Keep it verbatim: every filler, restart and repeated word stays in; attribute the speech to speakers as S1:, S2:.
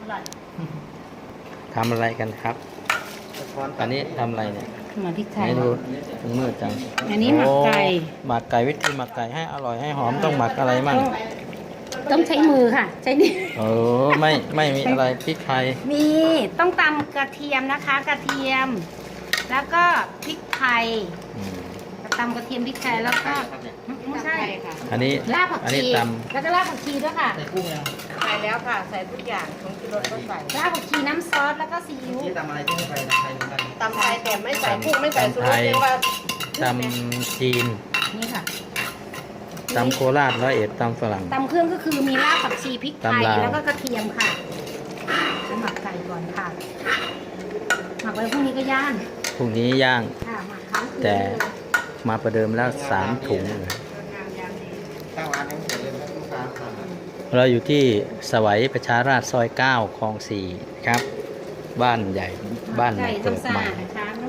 S1: ร่อย
S2: ทำอะไรกันครับอันนี้ทำอะไรเนี่ย
S1: หมักพริกไทย
S2: ให้ดูมันมืดจัง
S1: อันนี้หมักไก่
S2: โอ้หมักไก่วิธีหมักไก่ให้อร่อยให้หอมต้องหมักอะไรมั่ง
S1: ต้องใช้มือค่ะ ใช้นี่
S2: โอ้ไม่ไม่มีอะไรพริกไทย
S1: มีต้องตำกระเทียมนะคะ กระเทียม แล้วก็พริกไทย
S2: อืม
S1: ตำกระเทียมพริกไทยแล้วก็ไม่ใช่ค่ะ
S2: อันนี้
S1: รากผัก
S2: อัน
S1: ชี
S2: นี้ต
S1: แล้วก็รากผักชีด้วยค่ะ
S3: ใส่กุ้งยัง
S1: ใส่แล้วค่ะ ใส่ทุกอย่างของกิโลก็ใส่รากผักชีน้ำซอสแล้วก็ซีอิ๊ว
S3: ที่ทำอะไรที่ไม่ไปนะใครเหมือนกัน
S1: ตำไทยแต่ไม่ใส่กุ้งไม่ใส่ซูชิเรียกว่า
S2: ำตำจีน
S1: นี่ค่ะ
S2: ตำโคราชร้อยเอ็ดตำฝรั่ง
S1: ตำเครื่องก็คือมีรากผักชีพริกไทย
S2: ตำลาว
S1: แล้วก็กระเทียมค่ะแล้วหมักไก่ก่อนค่ะ หมักไว้พรุ่งนี้ก็ย่าง
S2: พรุ่งนี้ย่าง
S1: ค่ะหมักค้างคืน
S2: แต่มาประเดิมแล้วสามถุง
S1: งามยามดี
S3: ตั้งร้านนี้เสร็จเลยนะลูกค้าสั่ง
S2: เราอยู่ที่สวัยประชาราษฎร์ซอยเก้าคลองสี่ครับ บ้านใหญ่บ้าน
S1: ไก่
S2: เกิด
S1: ทำสะ
S2: ใหม่
S1: อาดนะคะไม่